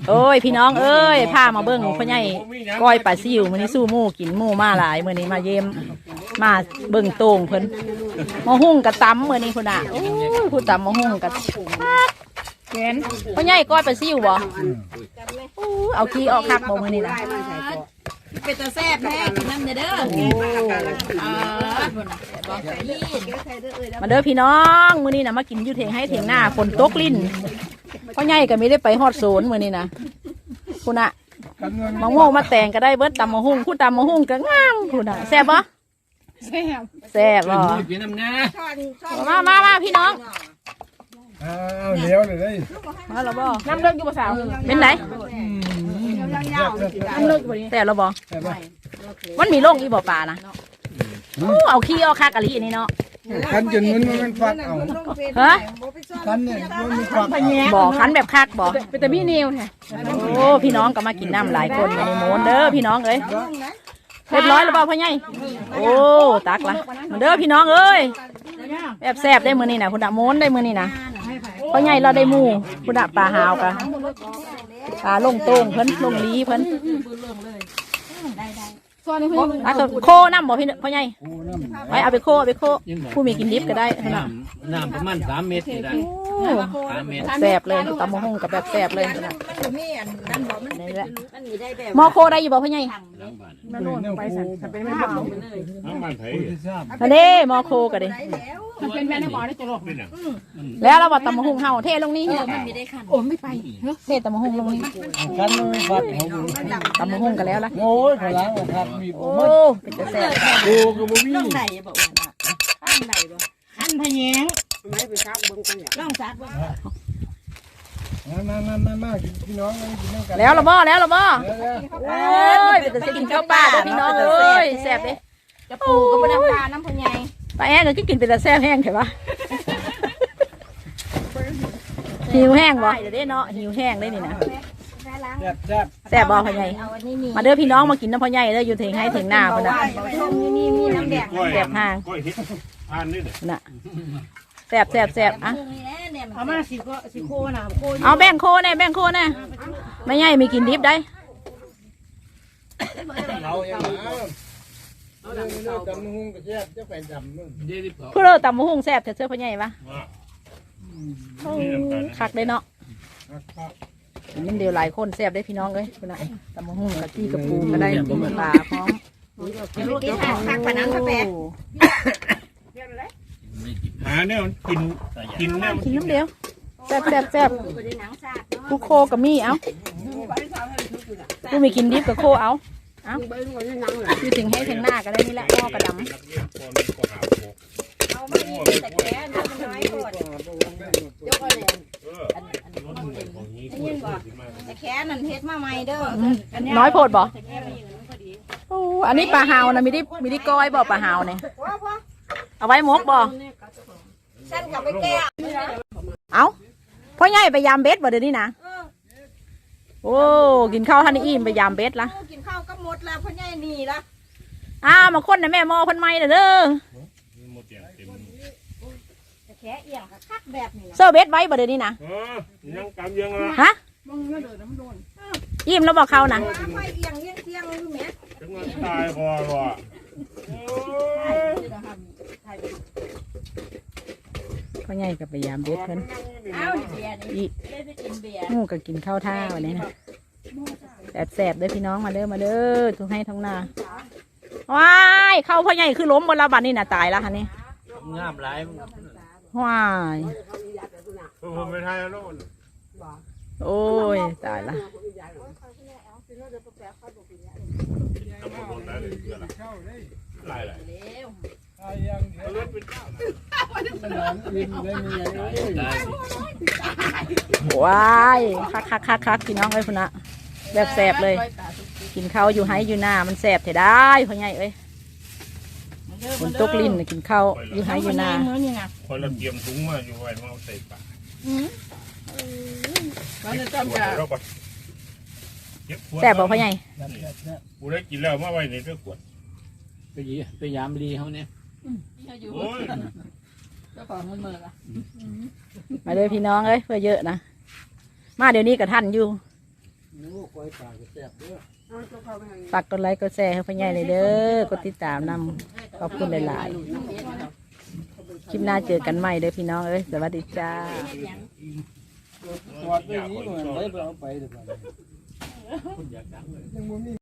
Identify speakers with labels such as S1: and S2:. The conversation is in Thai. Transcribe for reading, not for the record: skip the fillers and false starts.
S1: โอ้ยพี่น้องเอ้ยพามาเบิ้งพ่อใหญ่ก้อยปลาซิวมื้อนี้สู้หมู่กินหมู่มาหลายมื้อนี้มาเยี่ยมมาเบิ้งโต่งเพิ่นมาหุ่งกะตำมื้อนี้พุ่นน่ะโอ้ยผู้ตำมาหุ่งกะเห็นพ่อใหญ่ก้อยปลาซิวบ่โอ้เอาขี้ออกคักบ่มื้อนี้น่ะเป็นตาแซ่บแท้กินน้ำเด้อมาเด้อพี่น้องมื้อนี้น่ะมากินอยู่เถียงให้เถียงหน้าฝนตกลิ้นพ่อใหญ่ก็ไม่ได้ไปฮอดโซนมื้อนี้นะคุณน่ะมะม่วงมาแต่งก็ได้เบิดตำมะฮุ่งคุณตำมะฮุ่งก็งามคุณน่ะแซ่บบ่แซ่บบ่มาพี่น้อง
S2: เลี้ยวเลยได้
S1: มาแล้วบ่
S3: น้ำเลิกอยู่ภาษา
S1: เป็นไหน
S3: น้ำเลิกอยู่
S1: แต่แล้วบ่มันมีโรคอีบ่ปลานะเอาขี้เอาคักอะลิอันนี้เนาะ
S2: คันจนมันฟักเอา
S1: ฮะ
S2: คันเนี่ยมันฟัก
S1: บ่คันแบบคักบ่
S3: เป็นแต่พี่เนียวแท้
S1: โอ้พี่น้องก็มากินน้ำหลายคนในโมนเด้อพี่น้องเอ้ยเรียบร้อยแล้วบ่พ่อใหญ่โอ้ตักละเด้อพี่น้องเอ้ยแบบแซ่บได้มื้อนี้น่ะพุ่นน่ะโมนได้มื้อนี้น่ะพ่อใหญ่เราได้หมู่พุ่นน่ะปลาหาวกะปลาลงโต้งเพิ่นลงลีเพิ่นโคน้ำบ่พี่พ่อใหญ่ไปเอาไปโคผู้มีกินดิบก็ได้
S4: น้ำประมาณ3 เมตรได้3 เมตร
S1: แซ่บเลยตำมะฮุ่งกับแบบแซ่บเลยนี่แหละมอโคได้อยู่บ่พ่อใหญ่
S3: มันโน่นไปสั่นเป็นไม่บอก
S4: น้ำมันไผ่
S1: นั่นเด้มอโคก็ดิ
S3: เป็นแม่ในบ่อได้จะหลอก
S1: แล้วเราบอกตำมะฮุ่งเฮาเทลงนี่
S3: มันมีได้ขันโอ้ไม่ไป
S1: เทตำมะฮุ่งลงนี่
S2: คันมันฟัก
S1: ตำมะฮุ่งกันแล้วล่ะ
S2: โอ้ยขลังคันมี
S1: โอ้เป็นจะแซ่บ
S2: โอ้ก็บ่มี
S3: ต้องไหนบ่ขันไหนบ่ขันพะแยงไม่ไปซักเบิ่งกันเนี่ยต้องซักบ่
S2: มาพี่น้องกินน้ำกัน
S1: แล้วละบ่โอ้ยเป็นจะกินข้าวปลาเด้อพี่น้องเอ้ยแซ่บเด้
S3: จะปูก็บ่น้ำปลาน้ำพะแยง
S1: ปลาแห้งก็กินเป็นแต่แซ่บแห้งใช่ปะหิวแห้งบ่เดี๋ยวได้เนาะหิวแห้งได้นี่นะแซ่บบ่พ่อใหญ่มาเด้อพี่น้องมากินน้ำพ่อใหญ่เด้ออยู่เถียงให้เถียงหน้าพ่อน่ะ
S3: มีน้ำแดง
S1: แซ่บห่างน่ะแซ่บอ่ะ
S3: เอามาสิโคน่ะ
S1: เอาแบ่งโคแน่ไม่ใหญ่มีกินดิบได้
S2: ตำหุ่งกระเจี๊ยบจะไปดำนู่น
S1: เพื่อตำมะฮุ่งแซ่บเสื้อพ่อใหญ่ปะคักได้เนาะนี่เดียวหลายคนแซ่บได้พี่น้องเลยคุณนายตำมะฮุ่งกะจี้กระปูก็ได้ปลาพร้อม
S3: คักปะนังกาแฟ
S4: หาเนี่ยกินเนี่ย
S1: กินน้ำเดียวแซ่บกูโคกับมี่เอากูมีกินดิบกับโคเอาคือถึงให้ถึงหน้าก็ได้นี่แหละพ่อกระดำ
S3: เอาไม่มีแต่แค่น้ำน้อยก่อนยกเอาเลยยินบ่แต่แค่นั่นเฮ็ดมาใหม่เด้อ
S1: น้อยโพดบ่โอ้อันนี้ปลาหาวนะมีได้ก้อยบ่ปลาหาวเนี่ยเอาไว้มกบ่
S3: ฉันกลับไปแก้
S1: เอาพ่อใหญ่ไปยามเบ็ดบ่เดี๋ยวนี้นะโอ้กินข้าวท่านอิ่มไปยามเบ็ดละ
S3: กินข้าวก็หมดแล้วพ่อใหญ่นี่ละ
S1: มาคนนะแม่มอพันไม้เด้อ
S3: แค่เอียงคักแบบนี้
S1: เซอร์เบ็ดไว้บ่เดี๋ยวนี้นะ
S4: ยังกำยังละ
S1: ฮะอิ่มแล้วบอกเขานะ
S3: ไม่เอียงเอียงรู้ไหม
S4: จังหวะตายพอว่ะ
S1: พ่อใหญ่กับไปยามเบ็ดเพิ่นงูก็กินข้าวท่าวันนี้นะแสบด้วยพี่น้องมาเด้อทุกให้ทั้งหน้าว้ายเข้าพ่อใหญ่คือล้มบนระบัดนี่น่ะตายแล้วค่ะนี่
S4: งามหลาย
S1: ว้าย
S4: ผมไม่ทายแล้ว
S1: โอ้ยตายละว้ายคักพี่น้องเอ้ยพุ่นนะแบบแสบเลยกินข้าวอยู่ไห้อยู่หน้ามันแสบเถอะได้พ่อใหญ่เอ้ยฝนตกลิ้นกินข้าวอยู่ไห้อยู่หน้า
S4: คนเราเตรียมถุงมาอยู่ไว้มาใส่ปาก
S1: แสบบอกพ่อใหญ่
S4: กูได้กินแล้วมาไว้ในเรื่องขวด
S5: ไปยามดีเขาเนี่ย
S1: มาเลยพี่น้องเอ้ยเพื่อเยอะนะมาเดี๋ยวนี้กับท่านอยู่
S2: นู้ก้อยปลาก็แซ่บเด้อ
S1: ฝากกดไลค์กดแชร์ให้พ่อใหญ่เลยเด้อกดติดตามนำขอบคุณหลายๆคลิปหน้าเจอกันใหม่เด้อพี่น้องเอ้ยสวัสดีจ้า
S2: ถอดไปนี้เหมือนไปเอาไปเดี๋ยวก่อน
S5: คุณอยากดังเลย
S2: ยังบ่มี